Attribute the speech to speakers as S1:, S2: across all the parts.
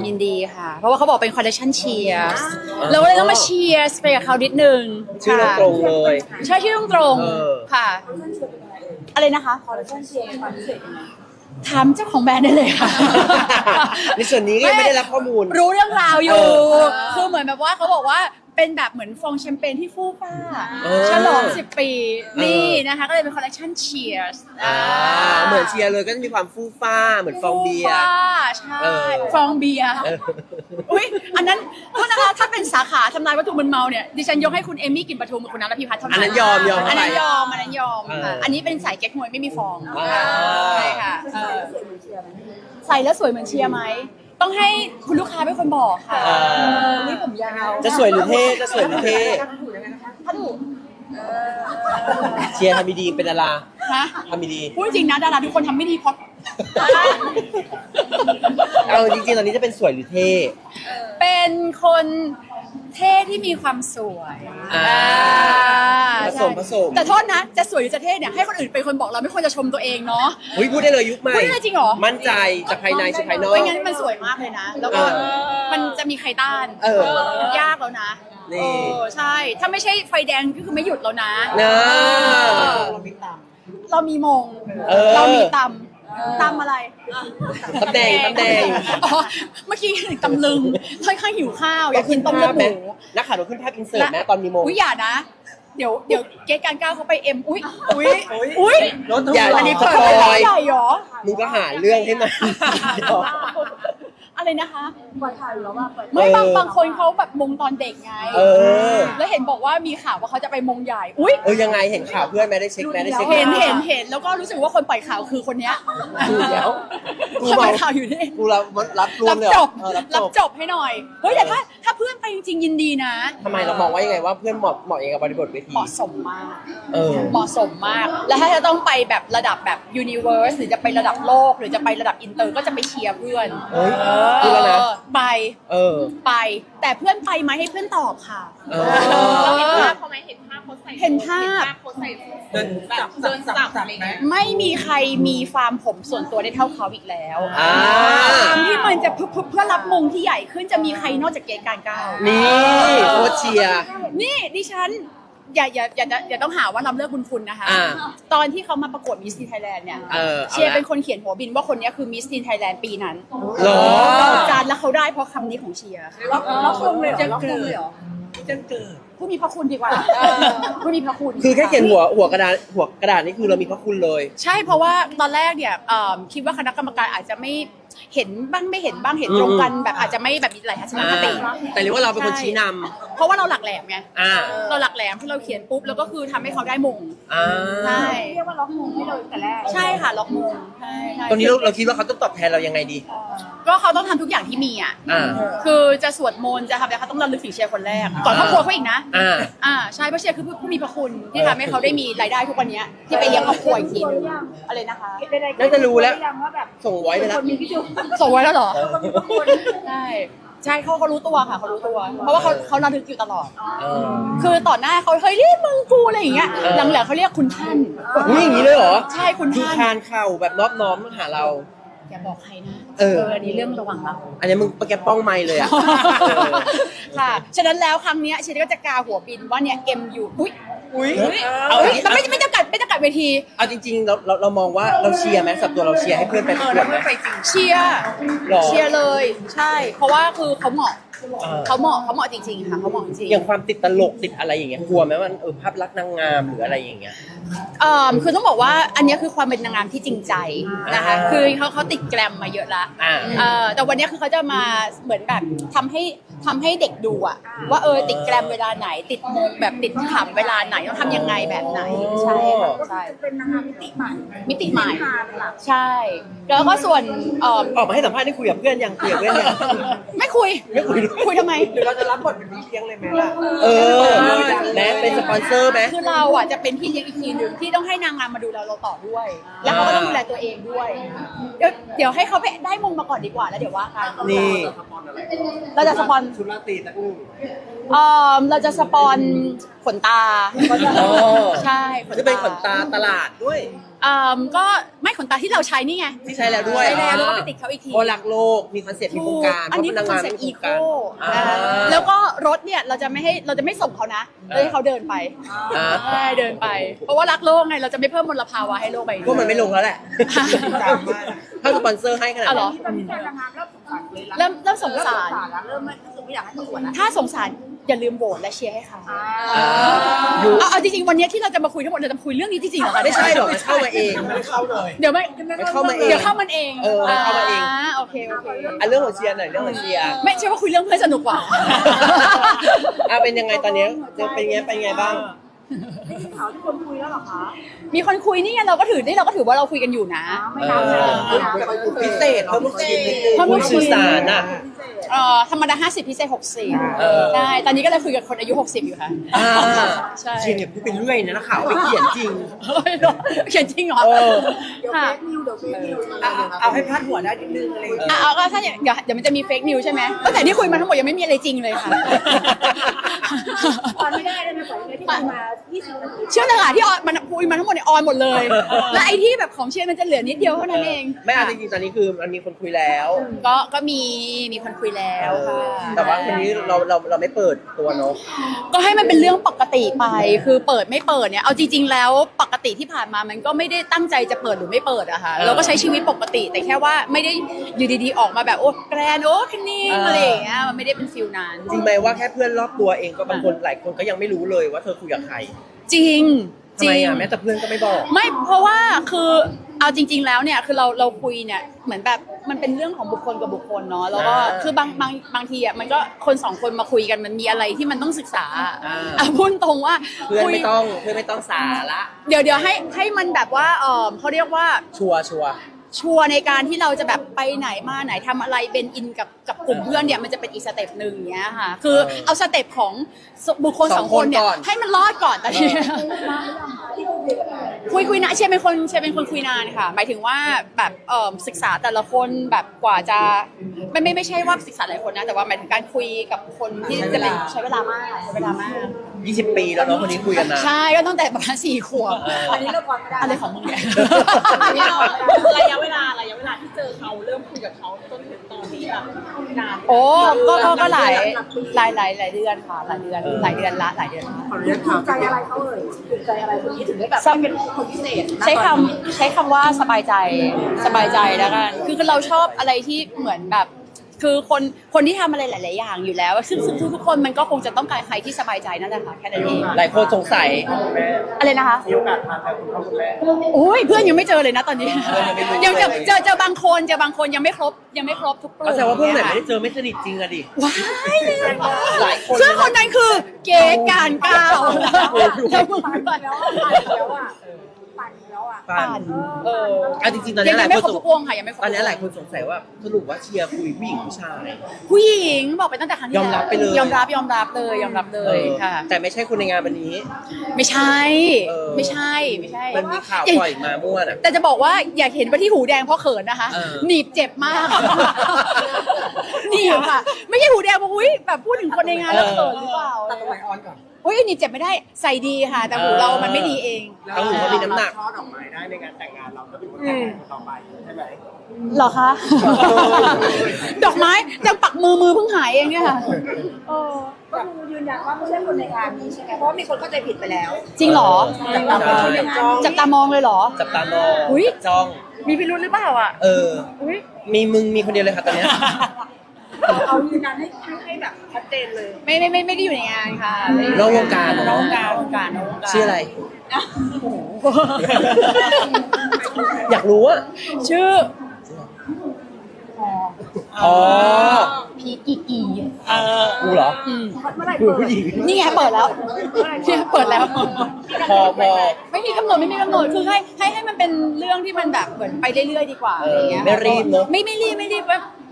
S1: ยินดีค่ะเพราะว่าเขาบอกเป็นคอลเลคชันเชียร์เราก็เลยต้องมาเชียร์ไปกับเขานิดนึง
S2: ชื่อตรงเลย
S1: ใช่ชื่อตรงค่ะอะไรนะคะคอลเลคชันเชียร์ถามเจ้าของแบรนด์ได้เลยค่ะ
S2: ในส่วนนี้ก็ยังไม่ได้รับข้อมูล
S1: รู้เรื่องราวอยู่คือเหมือนแบบว่าเขาบอกว่าเป็นแบบเหมือนฟองแชมเปญที่ฟู่ฟ้าฉลอง10 ปีนี่นะคะก็เลยเป็นคอลเลคชันเชียร์
S2: เหมือนเชียร์เลยก็จะมีความฟู่ฟ้าเหมือนฟองเบียร์
S1: ใช่ฟองเบียร์อุ้ยอันนั้นโทษนะคะถ้าเป็นสาขาทำลายวัตถุมึนเมาเนี่ยดิฉันยกให้คุณเอมี่กลิ่นปทุมกับคุณน้ำระพีพัฒน์เท่านั้น
S2: อันนั้นยอม
S1: อันนั้นยอมค่ะอันนี้เป็นสายเก๊กฮวยไม่มีฟองใช่ค่ะใส่แล้วสวยเหมือนเชียร์ไหมต้องให้คุณลูกค้าเป็นคนบอกค่ะนี่ผมยาว
S2: จะสวยหรือเท่จะสวยหรือเท่
S1: ถ้าถูก
S2: เชียร์ทำดีเป็นดาราทำดี
S1: พูดจริงนะดาราทุกคนทำไม่ดีเพราะ
S2: เอาจริงๆตอนนี้จะเป็นสวยหรือเท่
S1: เป็นคนเท่ที่มีความสวย
S2: ผสม
S1: แต่โทษนะจะสวยหรือจะเท่เนี่ยให้คนอื่นเป็นคนบอกเราไม่ควรจะชมตัวเองเนาะ
S2: พูดได้เลยยุคใหม่
S1: พูดได้จริงเหรอ
S2: มั่นใจจากภายในสู่ภายนอก
S1: ไม่งั้นมันสวยมากเลยนะแล้วก็มันจะมีใครต้านยากแล้วนะใช่ถ้าไม่ใช่ไฟแดงก็คือไม่หยุดแล้วนะเรามีมงเรามีตำอะไร
S2: ตำแดง
S1: อ๋อเมื่อกี้ถึงตำลึงค่อนข้างหิวข้าวอยากกินต้มเลือดหมู
S2: นักข่าวเราขึ้นภาพอินเสิร์ตนะตอนมีโม
S1: อย่านะเดี๋ยวเกตการก้าวเขาไปเอ็มอุ้ย
S2: อย่า
S1: อันนี้
S2: สปอย
S1: ใหญ่หรอ
S2: มึงก็หาเรื่องให้มัน
S1: อะไรนะคะปล่อยข่าวอยู่แล้วว่าไม่บางคนเขาแบบมงตอนเด็กไงแล้วเห็นบอกว่ามีข่าวว่าเขาจะไปมงใหญ่
S2: ยังไงเห็นข่าวเพื่อนไหมได้เช็คไหมได้เช็ค
S1: เห็นแล้วก็รู้สึกว่าคนปล่อยข่าวคือคนเนี้ยเขาปล่อยข่าวอยู่นี่
S2: กูรับรวมเลย
S1: รับจบให้หน่อยเฮ้ยแต่ถ้าเพื่อนไปจริงๆยินดีนะ
S2: ทำไมเรามองว่ายังไงว่าเพื่อนเหมาะยังกับบริบทเวที
S1: เหมาะสมมากแล้วถ้าจะต้องไปแบบระดับแบบ universe หรือจะไประดับโลกหรือจะไประดับอินเตอร์ก็จะไปเชียร์เพื่อนไปแต่เพื่อนไปไหมให้เพื่อนตอบค่ะ
S3: เราเห็นภาพเขาไหมเห็นภาพเขาใส่
S1: เห็นภาพ
S3: เขาใส่เดินสับอะไรเงี้ย
S1: ไม่มีใครมีฟาร์มผมส่วนตัวได้เท่าเขาอีกแล้วที่มันจะเพื่อรับมงที่ใหญ่ขึ้นจะมีใครนอกจากเกณฑ์การก้าว
S2: นี่โคชเชียร์
S1: นี่ดิฉันอย่าต้องหาว่าลำเลิกบุญคุณนะคะตอนที่เขามาประกวดมิสทีนไทยแลนด์เนี่ยเชียร์เป็นคนเขียนหัวบินว่าคนนี้คือมิสทีนไทยแลนด์ปีนั้น
S2: หรอ
S1: จานแล้วเขาได้เพราะคำนี้ของเชียร์ล็อกคงเลยเหรอจะเกิดผู้มีพระคุณดีกว่าผู้มีพระคุณ
S2: คือแค่เขียนหัวกระดาษนี่คือเรามีพระคุณเลย
S1: ใช่เพราะว่าตอนแรกเนี่ยคิดว่าคณะกรรมการอาจจะไม่เห็นบ้างไม่เห็นบ้างเห็นตรงกันแบบอาจจะไม่แบบมีหลายทัศนคติ
S2: แต่เรียกว่าเราเป็นคนชี้นำ
S1: เพราะว่าเราหลักแหลมไงเราหลักแหลมที่เราเขียนปุ๊บแล้วก็คือทำให้เขาได้มงใช่
S3: เรียกว่าล็อกมงให้เราแต่แรก
S1: ใช่ค่ะล็อกมง
S2: ตอนนี้เราคิดว่าเขาต้องตอบแทนเรายังไงดี
S1: ก็เขาต้องทำทุกอย่างที่มีคือจะสวดมนต์จะทำอะไรเขาต้องระลึกถึงเชียร์คนแรกก่อนครอบครัวเขาอีกนะใช่เพราะเชียร์คือผู้มีพระคุณที่ทำให้เขาได้มีรายได้ทุกวันนี้ที่ไปเลี้ยงครอบครัวอีกทีนึงอะไรนะคะ
S2: น่าจะรู้แล้วส่งไว้ไปแล้ว
S1: ส่งไว้แล้วเหรอใช่เขารู้ตัวค่ะเขารู้ตัวเพราะว่าเขาระลึกอยู่ตลอดคือต่อหน้าเขาเฮ้ยนี่มึงกูอะไรอย่างเงี้ยหลังๆเขาเรียกคุณท่าน
S2: อย่างนี้เลยเหรอ
S1: ใช่คุณท่าน
S2: คานเข่าแบบนอบน้อมหาเรา
S1: อย่าบอกใครนะอันนี้เรื่องระหว่างเรา
S2: อันนี้มึงแกป้องไมค์เลยอ่ะ
S1: ค่ะฉะนั้นแล้วครั้งนี้ฉันก็จะกาหัวบินว่าเนี่ย MU แต่ไม่จำกัดเวที
S2: เอาจริงๆเรามองว่าเราเชียร์ไหมสับตัวเราเชียร์ให้เพื่อนไปประกวดไหม
S1: เชียร์เลยใช่เพราะว่าคือเขาเหมาะจริงๆค่ะเขาเหมาะจริง
S2: อย่างความติดตลกติดอะไรอย่างเงี้ยกลัวไหมว่าภาพลักษณ์นางงามหรืออะไรอย่างเงี้ย
S1: คือต้องบอกว่าอันนี้คือความเป็นนางงามที่จริงใจนะคะคือเขาติดแกรมมาเยอะละแต่วันนี้คือเขาจะมาเหมือนแบบทำให้เด็กดูอะว่าติดแกรมเวลาไหนติดมงแบบติดขำเวลาไหนต้องทำยังไงแบบไหนใช่
S3: เป็นนางงามมิติใหม่
S1: ใช่แล้วก็ส่วน
S2: ออกมาให้สัมภาษณ์ได้คุยกับเพื่อนยัง
S1: ไม่คุยทำไม
S2: หรือเราจะรับบทเป็นพี่เลี้ยงเลยไหมล่ะและเป็นสปอนเซอร์ไหม
S1: คือเราอ่ะจะเป็นพี่เลี้ยงอีกทีหนึ่งที่ต้องให้นางงามมาดูเราต่อด้วยแล้วเขาก็ต้องดูแลตัวเองด้วยเดี๋ยวให้เขาไปได้มงมาก่อนดีกว่าแล้วเดี๋ยวว่ากัน
S2: นี่
S1: เราจะสปอน
S2: ชุดราตรีตะอึ้ง
S1: เราจะสปอนขนตา
S2: อ๋อ
S1: ใช่ขน
S2: จะ
S1: ตา
S2: เป็นขนตาตลาดด้วย
S1: ก็ไม่ขนตาที่เราใช้นี่ไง
S2: ที่ใช้แล้วด้วย
S1: ใช้แล้วแล้วก็ไปติดเขาอีกที
S2: เพราะรักโลกมีคอนเซ็ปต์มีโครงการ
S1: อันนี้
S2: พ
S1: เป็
S2: ราะ
S1: น
S2: พ
S1: คอน
S2: งา
S1: เซ็ป
S2: มี
S1: ต์อี
S2: โค
S1: โค
S2: รงการ
S1: แล้วก็รถเนี่ยเราจะไม่ส่งเขานะเราให้เขาเดินไป
S2: อ่า
S1: ใช่เดินไป เพราะว่ารักโลกไงเราจะไม่เพิ่มมลภาวะให้โลกใบนี้
S2: พวกมันไม่ลงแล้วแหละ ถ้าสปอนเซอร์ให้ขนาด
S1: อ๋อเหร
S2: นั้
S1: อ
S2: น
S3: ที่ตอนนี้แฟนนางงามเริ่มสงสารเลยละ
S1: เริ่มสงสาร
S3: แล้วเริ่มไม่รู้สึกไม่อยากให้ประกวดแล้ว
S1: ถ้าสงสารอย่าลืมโหวตและเชียร์ให้เขา
S2: อยู่
S1: เอาจริงๆวันนี้ที่เราจะมาคุยทั้งหมดเราจะมาคุยเรื่องนี้จริงๆเหรอคะ
S2: ไม่ใช่หรอกมันเข้ามาเอง
S1: เดี๋ยวไม่
S2: มันเข้ามาเอง
S1: เดี๋ยวเข้ามันเอง
S2: เออมันเข้ามาเอง
S1: โอเคโอเค
S2: เรื่องของเชียร์หน่อยเรื่องของเชียร์
S1: ไม่ใช่ว่าคุยเรื่องเพื่อนสนุกกว่า
S2: เป็นยังไงตอนนี้เป็นไงบ้าง
S3: ข่าวที่คนคุยแล้วเหรอคะ
S1: มีคนคุยนี่ไงเราก็ถือว่าเราคุยกันอยู่นะ
S3: ไม่นานเลยไม่นานเลย
S2: พิเศษเพิ่มลูกชิ้นนิดนึง
S1: เพิ่มลูกชิ้น
S2: สื่อสารอ่ะ
S1: ธรรมดา50พิเศษ60ใช่ตอนนี้ก็เลยคุยกับคนอายุ60อยู่ค่ะ ใช่
S2: เชียร์เนี่ยพูดเป็นเรื่อยนะนักข่าวไปเขียนจริง
S1: เขียนจริงเหรอ
S2: เออ
S3: เดี๋ยวเฟ
S1: ค่ะ
S3: ซนิวเดี๋ยวเฟซนิว
S2: เอาให้พาดหัวได้นิดนึงอะไรอย่างเงี้ย
S1: เอาก็ถ้าอย่างเดี๋ยวมันจะมีเฟกนิวใช่ไหมตั้งแต่ที่คุยมาทั้งหมดยังไม่มีอะไรจริงเลยค่ะ
S3: ตอนไม่ได้เลยนะขอที่คุยมา20นาที
S1: เชื่อเลยค่ะที่ออนมันคุยมาทั้งหมดเนี่ยออนหมดเลย และไอ้ที่แบบของเชียร์มันจะเหลือนิดเดียวเท่านั้นเอง
S2: ไม่เอาจริงๆตอนนี้คือมันมีคนคุยแล้ว
S1: ก็มีคนคุยแล้วค่ะ
S2: แต่ว่าคนนี้เราไม่เปิดตัวเนาะ
S1: ก็ให้มันเป็นเรื่องปกติไปคือเปิดไม่เปิดเนี่ยเอาจริงๆแล้วปกติที่ผ่านมามันก็ไม่ได้ตั้งใจจะเปิดหรือไม่เปิดอะค่ะเราก็ใช้ชีวิตปกติแต่แค่ว่าไม่ได้อยู่ดีๆออกมาแบบโอ้แกรนโอ้คันนิ่งอะไรอย่างเงี้ยมันไม่ได้เป็นฟิลนั้น
S2: จริงไหมว่าแค่เพื่อนรอบตัวเองก็บางคนหลายคนก็ยังไม่รู้เลยว่าเธอคุยกับใคร
S1: จริง
S2: ทำไมอ่ะแม้แต่เพื่อนก็ไม่บอก
S1: ไม่เพราะว่าคือเอาจริง ๆ แล้วเนี่ยคือเราคุยเนี่ยเหมือนแบบมันเป็นเรื่องของบุคคลกับบุคคลเนาะแล้วก็คือบางทีอ่ะมันก็คนสองคนมาคุยกันมันมีอะไรที่มันต้องศึกษาพูดตรงว่า
S2: เพื่อนไม่ต้องสาระ
S1: เดี๋ยวให้มันแบบว่าเขาเรียกว่า
S2: ชัวร์
S1: ชัวร์ในการที่เราจะแบบไปไหนมาไหนทำอะไรเป็นอินกับกลุ่มเพื่อนเนี่ยมันจะเป็นอีกสเต็ปหนึ่งอย่างเงี้ยค่ะคือเอาสเต็ปของบุคคลสองคนเนี่ยให้มันรอดก่อนตอนนี้คุยนะเชียร์เป็นคนคุยนานค่ะหมายถึงว่าแบบศึกษาแต่ละคนแบบกว่าจะไม่ใช่ว่าศึกษาหลายคนนะแต่ว่าหมายถึงการคุยกับคนที่จะเป็นใช้เวลามาก
S2: 20 ปีแล้วเนาะคนนี้คุยกันนะ
S1: ใช่ก็ตั้งแต่ประมาณ4 ขวบ
S3: อันนี้เราก่อนไม่ได้
S1: อะไรของมึงเนี่ย
S3: ระยะเวลาที่เจอเขาเริ่มคุยกับเขาจนถึงตอนนี้แบบนาน
S1: โอ้ก็หลายเดือนค่ะหลายเดือนละ
S3: ถูกใจอะไรเขาเอ่ยถูกใจอะไรคนนี้ถึงได้แบบเป็นคนพิเศษ
S1: ใช้คำว่าสบายใจแล้วกันคือเราชอบอะไรที่เหมือนแบบคือคนที่ทำอะไรหลาย ๆ อย่างอยู่แล้วซึ่งทุกคนมันก็คงจะต้องการใครที่สบายใจนั่นแหละค่ะแค่นั้นเอง
S2: หลายคนสงสัย
S1: อะไรนะคะมีโอกาสทานแล้วคุณพ่อคุณแม่โอ้ยเพื่อนยังไม่เจอเลยนะตอนนี้ยังเจอบางคนยังไม่ครบทุกกลุ่ม
S2: ก็แสดงว่าเพื่อนไหนไม่ได้เจอไม่สนิทจริงอะดิ
S1: ว้ายเลย
S2: หลายคน
S1: ซึ่งคนนั้นคือเก๋การก้าวแล้วมึง
S3: ปั่น
S1: ด้วย
S3: แล้วอ่ะปั่นแล้วอ่ะ
S1: ปั่น
S2: เอาจริงๆตอน
S1: ยั
S2: นี้
S1: ง
S2: หลาย
S1: ไม่
S2: คน
S1: ครบทุกวงค่ะยังไม่ครบ
S2: ตอนนี้หลายคนสงสัยว่าสรุปว่าเชียร์คุยผู้หญิงผู้ชาย
S1: ผู้หญิงบอกไปตั้งแต่ครั้งที่
S2: ยอมรับไปเลย
S1: ยอมรับเลยค่ะ
S2: แต่ไม่ใช่คนในงานวันนี้
S1: ไม่ใช่ ไม่ใช่
S2: มันมีข่าวปล่อยมามั่วน่ะ
S1: แต่จะบอกว่าอยากเห็นว่าที่หูแดงเพราะเขินนะคะ หนีบเจ็บมากหนีบค่ะ ไม่ใช่หูแดงเพราะอุ้ยแบบพูดถึงคนในงานแล้วเขินหรือเปล่า
S3: ตัดตรงไหนออนก่อน
S1: อุ้ยหนีบเจ็บไม่ได้ใส่ดีค่ะ แต่หูเรามันไม่ดีเอง
S2: ทั้งหูเขามีน้ำหนัก
S4: ช่อดอกไม้ได้ในงานแต่งงานเราก็เป็นคนแต่งงานคนต่อไปใช่ไหม
S1: เหรอคะ ดอกไม้ยังปักมือเพิ่งหายเองเนี่ยค่ะ
S3: ก็คือยืนยันว่าไม่ใช่คนในงานนี้ใช่ไหมเพราะว่ามีคนเข้าใจผิดไปแล้ว
S1: จริงเหรอ
S3: จับตามองเลยเหรอ
S1: จับตามองเลยเหรอ
S2: จับตามอง
S1: อุ๊ย
S2: จ้อง
S1: มีพิรุธหรือเปล่าอ่ะ อุ้ย
S2: มีมึงมีคนเดียวเลยค่ะตอนเนี้ย
S3: เอายืนยันให้แบบชัดเจนเลย
S1: ไม่ได้อยู่ในงานค่ะ
S2: นอกวงการเหรอ
S1: นอกวงการ
S2: ชื่ออะไร อยากรู้อะ
S1: ชื่อ
S2: อ๋อ
S1: พีกีกี
S2: กูเหรอ
S3: เมื่อไหร่
S2: กูผู้หญิง
S1: นี่ไงเปิดแล้วเนี่ยเปิดแล้ว
S2: พอ
S1: ไม่มีกำหนดคือให้มันเป็นเรื่องที่มันแบบเหมือนไปเรื่อยๆดีกว่าอะไรเงี้ย
S2: ไม่รีบเนอะ
S1: ไม่รีบแบบ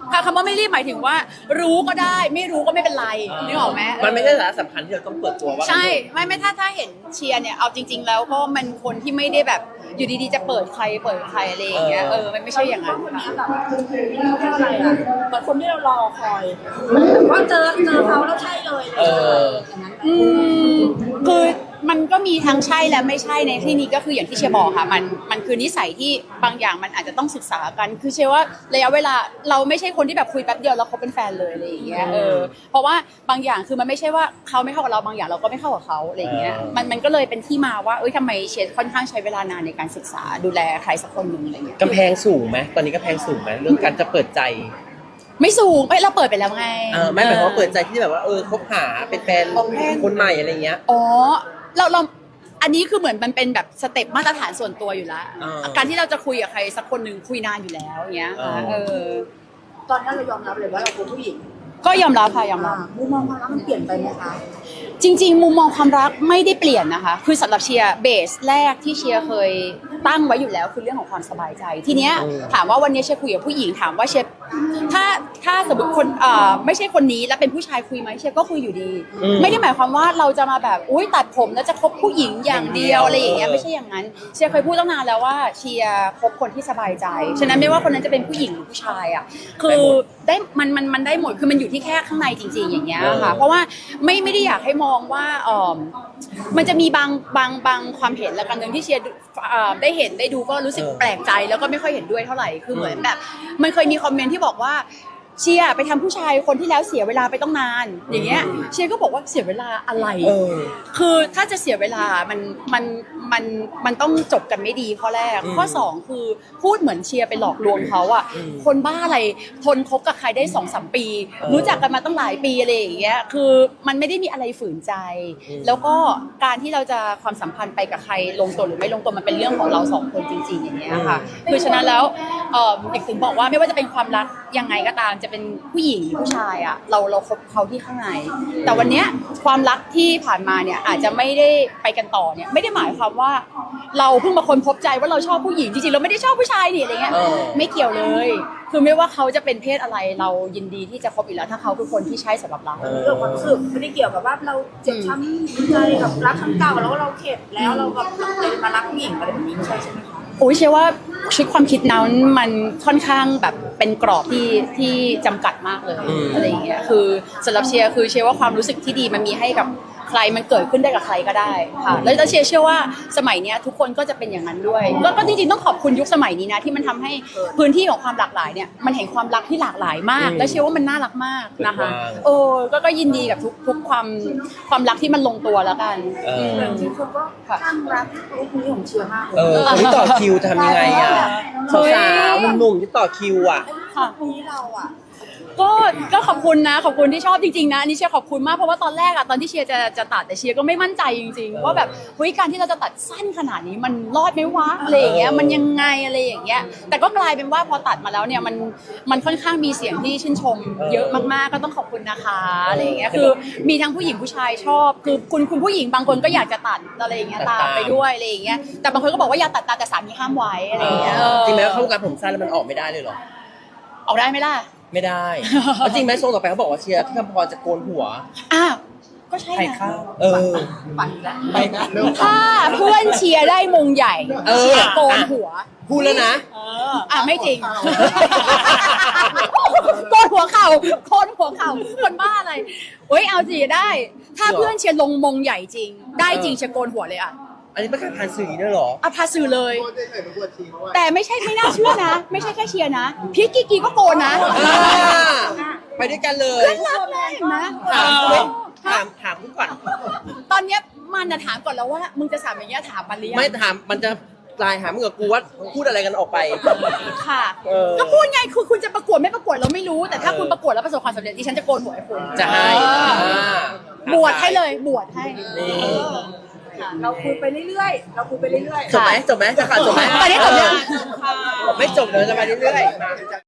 S1: คำว่าไม่รีบหมายถึงว่า รู้ก็ได้ไม่รู้ก็ไม่เป็นไรนึกออกไหม
S2: มันไม่ใช่สาระสำคัญที่เราต้องเปิดตัวว่า
S1: ใช่ไม่ถ้าเห็นเชียร์เนี่ยเอาจริง ๆ แล้วก็มันคนที่ไม่ได้แบบอยู่ดีๆจะเปิดใครอะไรอย่างเงี้ยมันไม่ใช่อย่างนั้นค่ะ
S3: แบบอะไรอ่ะเหมือนคนที่เรารอคอยว่าเจอเขาแล้วใช่เลยอย่างนั้น
S1: คือมันก็มีทั้งใช่และไม่ใช่ในที่นี้ก็คืออย่างที่เชียร์บอกค่ะมันคือนิสัยที่บางอย่างมันอาจจะต้องศึกษากันคือเชียร์ว่าระยะเวลาเราไม่ใช่คนที่แบบคุยแป๊บเดียวแล้วเขาเป็นแฟนเลยอะไรอย่างเงี้ยเพราะว่าบางอย่างคือมันไม่ใช่ว่าเขาไม่เข้ากับเราบางอย่างเราก็ไม่เข้ากับเขาอะไรอย่างเงี้ยมันก็เลยเป็นที่มาว่าทำไมเชียร์ค่อนข้างใช้เวลานานในการศึกษาดูแลใครสักคนหนึ่งอะไรอย่างเงี้ย
S2: กำแพงสูงไหมตอนนี้กำแพงสูงไหมเรื่องการจะเปิดใจ
S1: ไม่สูงเราเปิดไปแล้วไง
S2: ไม่หมายความว่าเปิดใจที่แบบว่าคบหาเป็นแฟนคนใหม่อะไรเงี้ย
S1: อ๋อเราอันนี้คือเหมือนมันเป็นแบบสเต็ปมาตรฐานส่วนตัวอยู่แล้วการที่เราจะคุยกับใครสักคนหนึ่งคุยนานอยู่แล้วอย่างเงี้ยค่ะ
S3: ตอนนั้นเรายอมรับเลยว่าเราเป็นผู้หญิง
S1: ก็ยอมรับค่ะยอมรับ
S3: มุมมองความรักมันเปลี่ยนไปไหมคะ
S1: จริงๆมุมมองความรักไม่ได้เปลี่ยนนะคะคือสำหรับเชียร์เบสแรกที่เชียร์เคยตั้งไว้อยู่แล้วคือเรื่องของความสบายใจทีเนี้ยถามว่าวันนี้เชียร์คุยกับผู้หญิงถามว่าเชียร์ถ้าสมมติคนไม่ใช่คนนี้แล้วเป็นผู้ชายคุยไหมเชียร์ก็คุยอยู่ดี ไม่ได้หมายความว่าเราจะมาแบบอุ้ยตัดผมแล้วจะคบผู้หญิงอย่างเดียวอะไรอย่างเงี้ยไม่ใช่อย่างนั้นเชียร์เคยพูดตั้งนานแล้วว่าเชียร์คบคนที่สบายใจฉะนั้นไม่ว่าคนนั้นจะเป็นผู้หญิงหรือผู้ชายอ่ะคือได้มันได้หมดคือมันอยู่ที่แค่ข้างในจริงๆอย่างเงี้ยค่ะเพราะว่าไม่ได้อยากให้มองว่ามันจะมีบางความเห็นและกันหนึ่งที่เชียร์ได้เห็นได้ดูก็รู้สึกแปลกใจแล้วก็ไม่ค่อยเห็นด้วยเท่าไหร่คือเหมือนแบบมันเคยมีคอมเมนต์ที่บอกว่าเชียร์ไปทำผู้ชายคนที่แล้วเสียเวลาไปต้องนานอย่างเงี้ยเชียร์ก็บอกว่าเสียเวลาอะไรคือถ้าจะเสียเวลามันต้องจบกันไม่ดีข้อแรกข้อสองคือพูดเหมือนเชียร์ไปหลอกลวงเขาอ่ะคนบ้าอะไรทนคบกับใครได้ 2-3 ปีรู้จักกันมาตั้งหลายปีอะไรอย่างเงี้ยคือมันไม่ได้มีอะไรฝืนใจแล้วก็การที่เราจะความสัมพันธ์ไปกับใครลงตัวหรือไม่ลงตัวมันเป็นเรื่องของเราสองคนจริงๆอย่างเงี้ยค่ะคือฉะนั้นแล้วเด็กถึงบอกว่าไม่ว่าจะเป็นความรักยังไงก็ตามจะเป็นผู้หญิงผู้ชายอ่ะเราคบเขาที่ข้างในแต่วันเนี้ยความรักที่ผ่านมาเนี่ยอาจจะไม่ได้ไปกันต่อเนี่ยไม่ได้หมายความว่าเราเพิ่งมาค้นพบใจว่าเราชอบผู้หญิงจริงๆเราไม่ได้ชอบผู้ชายนี่อะไรเงี้ยไม่เกี่ยวเลยคือไม่ว่าเขาจะเป็นเพศอะไรเรายินดีที่จะคบอีกแล้วถ้าเขาคือคนที่ใช่สำหรับเรา
S3: เรื่องความรู้สึกไม่ได้เกี่ยวกับว่าเราเจ็บช้ำใจกับรักครั้งเก่าแล้วเราเข็ดแล้วเราแบบเลยมารักผู้หญิงอะไรแบบนี้ไม่ใช่ใช่ไหมคะ
S1: โอ้ยเชื่อว่าชุดความคิดนั้นมันค่อนข้างแบบเป็นกรอบที่จำกัดมากเลยอะไรอย่างเงี้ยคือสำหรับเชียร์คือเชื่อว่าความรู้สึกที่ดีมันมีให้กับใครมันเกิดขึ้นได้กับใครก็ได้ค่ะแล้วเชื่อว่าสมัยเนี้ยทุกคนก็จะเป็นอย่างนั้นด้วยก็จริงๆต้องขอบคุณยุคสมัยนี้นะที่มันทำให้พื้นที่ของความหลากหลายเนี่ยมันเห็นความรักที่หลากหลายมากแล้วเชื่อว่ามันน่ารักมากนะคะก็ยินดีกับทุกความรักที่มันลงตัวแล้วกัน
S3: จริงๆคนก็ข้างรักลูกนี้ของเชียร์มาก
S2: คนที่ต่อคิวทำยังไงอ่ะสาวๆหนุ่มๆที่ต่อคิวอ่ะ
S3: นี้เราอ่ะ
S1: ก็ขอบคุณนะขอบคุณที่ชอบจริงๆนะอันนี้เชียร์ขอบคุณมากเพราะว่าตอนแรกอะตอนที่เชียร์จะตัดแต่เชียร์ก็ไม่มั่นใจจริงๆว่าแบบเฮ้ยการที่เราจะตัดสั้นขนาดนี้มันรอดไหมวะอะไรอย่างเงี้ยมันยังไงอะไรอย่างเงี้ยแต่ก็กลายเป็นว่าพอตัดมาแล้วเนี่ยมันค่อนข้างมีเสียงที่ชื่นชมเยอะมากๆก็ต้องขอบคุณนะคะอะไรอย่างเงี้ยคือมีทั้งผู้หญิงผู้ชายชอบคือคุณผู้หญิงบางคนก็อยากจะตัดอะไรอย่างเงี้ยตามไปด้วยอะไรอย่างเงี้ยแต่บางคนก็บอกว่าอย่าตัดตามแต่สามีห้ามไว้อะไรอย่างเงี้ย
S2: จริงไหมเข้าวงการผมสั้นแล้วมันออกไม่ได้เลยหรอ
S1: ออกได้ไหมล่ะ
S2: ไม่ได้จริงไหมทรงต่อไปเขาบอกว่าเชียร์ที่คำพรจะโกนหัว
S1: ก็ใช่นะ
S3: ปั่นแล้ว
S2: ไปนะ
S1: ถ้าเพื่อนเชียร์ได้มงใหญ่เชียร์โกนหัว
S2: พูดแล้วนะ
S1: ไม่จริงโกนหัวเข่าคนบ้าอะไรเอาสิได้ถ้าเพื่อนเชียร์ลงมงใหญ่จริงได้จริงเชียร์โกนหัวเลย
S2: อันนี้ประกาศผ่านสื่อด้วยหรอ
S1: พาสื่อเลยแต่ไม่น่าเชื่อนะไม่ใช่แค่เชียร์นะพีคกีก็โกนนะ
S2: ไปด้วยกันเลย
S1: รักเลยนะ
S2: ถามก่อน
S1: ตอนเนี้ยมันจะถามก่อนแล้วว่ามึงจะถามอย่างเงี้ยถามมันหรือยัง
S2: ไม่ถามมันจะกลายหามึงกับกูว่าพูดอะไรกันออกไป
S1: ค่ะก็พูดไงคือคุณจะประกวดไม่ประกวดเราไม่รู้แต่ถ้าคุณประกวดแล้วประสบความสำเร็จดิฉันจะโกนหัวให้คุณ
S2: จะให้
S1: บวชให้เลยบวชให้
S3: เราคุยไปเรื่อยๆ
S2: จบไหมจะขาดจบไหม
S1: ตอนนี้จบยัง
S2: ไม่จบเลยจะไปเรื่อยๆ